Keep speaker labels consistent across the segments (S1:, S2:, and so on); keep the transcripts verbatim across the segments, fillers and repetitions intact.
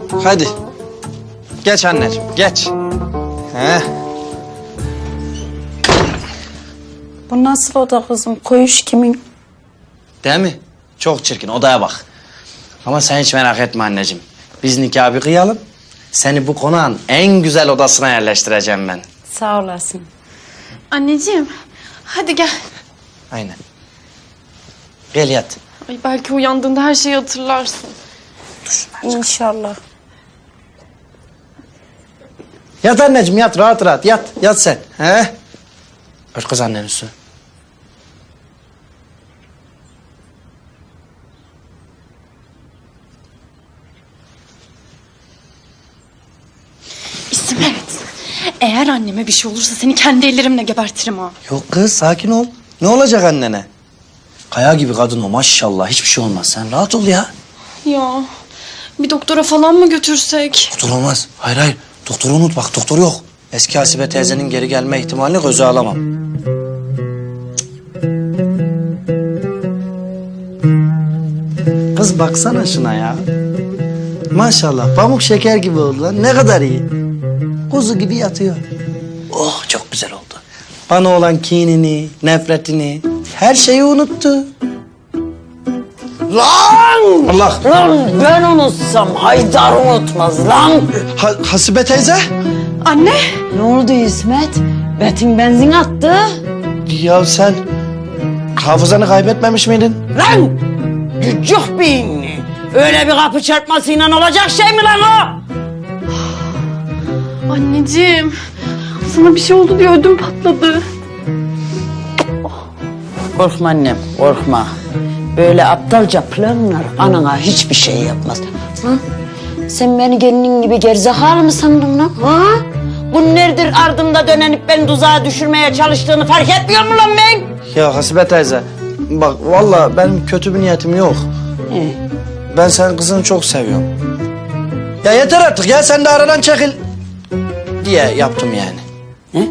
S1: Hadi. Geç anneciğim, geç. He.
S2: Bu nasıl oda kızım? Koğuş kimin?
S1: Değil mi? Çok çirkin, odaya bak. Ama sen hiç merak etme anneciğim. Biz nikahı bir kıyalım. Seni bu konağın en güzel odasına yerleştireceğim ben.
S2: Sağ olasın.
S3: Anneciğim, hadi gel.
S1: Aynen. Gel yat.
S3: Ay belki uyandığında her şeyi hatırlarsın.
S2: İnşallah.
S1: Yat anneciğim, yat. Rahat rahat. Yat. Yat sen. He? Ört kız annenin üstüne.
S3: İsmet, eğer anneme bir şey olursa seni kendi ellerimle gebertirim ha.
S1: Yok kız, sakin ol. Ne olacak annene? Kaya gibi kadın o, maşallah. Hiçbir şey olmaz. Sen rahat ol ya.
S3: Ya, bir doktora falan mı götürsek?
S1: Doktor olmaz. Hayır hayır. Doktoru unut bak, doktor yok. Eski Hasibe teyzenin geri gelme ihtimalini göze alamam. Kız baksana şuna ya. Maşallah pamuk şeker gibi oldu lan. Ne kadar iyi. Kuzu gibi yatıyor. Oh çok güzel oldu. Bana olan kinini, nefretini, her şeyi unuttu.
S4: Lan!
S1: Allah!
S4: Lan ben unutsam Haydar unutmaz lan.
S1: Ha, Hasibe teyze?
S3: Anne,
S4: Ne oldu İsmet? Betin benzin attı.
S1: Ya sen hafızanı kaybetmemiş miydin?
S4: Lan! Cüccük beyinli. Öyle bir kapı çarpmasıyla olacak şey mi lan o?
S3: anneciğim. Sana bir şey oldu diye ödüm patladı.
S4: Korkma annem, korkma. Böyle aptalca planlar anana hiçbir şey yapmaz. Ha? Sen beni gelinin gibi gerizekalı mı sandın lan? Ha? Bu neredir ardımda dönenip beni tuzağa düşürmeye çalıştığını fark etmiyor mu lan ben?
S1: Ya Hasibe teyze, bak vallahi benim kötü bir niyetim yok.
S4: He.
S1: Ben senin kızını çok seviyorum. Ya yeter artık ya, sen de aradan çekil diye yaptım yani.
S4: Ne?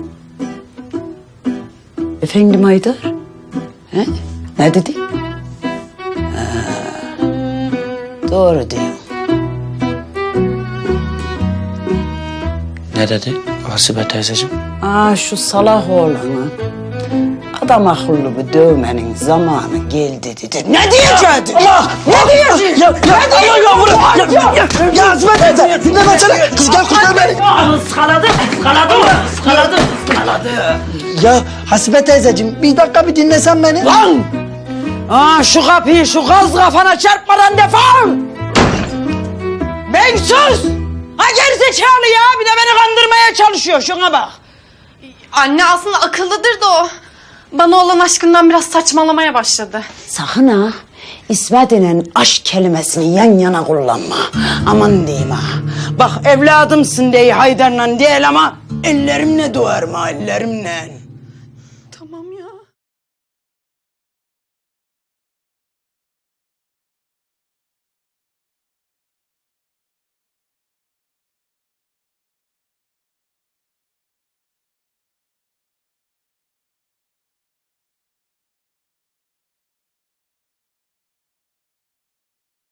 S4: Efendim Haydar? He? Ne dedi? Ha, doğru diyor.
S1: Ne dedi Hasibe teyzeciğim?
S4: Aa şu salak oğlanı adam akıllı bir dövmenin zamanı geldi dedi. Ne diyecektin?
S1: Allah!
S4: Ne diyeceksin?
S1: Ya, ya, ya, ya, ya, ya, ya, ya, ya Hasibe teyze, dinle ben seni. Kız gel kurtar beni.
S4: Iskaladı, ıskaladı mı? Iskaladı, ıskaladı.
S1: Ya Hasibe teyzeciğim, bir dakika bir dinlesen beni.
S4: Lan! Aa şu kapıyı şu gaz kafana çarpmadan defol! Ben sus! Ha gerizekalı ya, bir de beni kandırmaya çalışıyor, şuna bak.
S3: Anne aslında akıllıdır da o. Bana olan aşkından biraz saçmalamaya başladı.
S4: Sakın ha, İsmet denen aşk kelimesini yan yana kullanma. Aman diyeyim ha. Bak evladımsın diye Haydar'la değil ama ellerimle doğarım ha, ellerimle.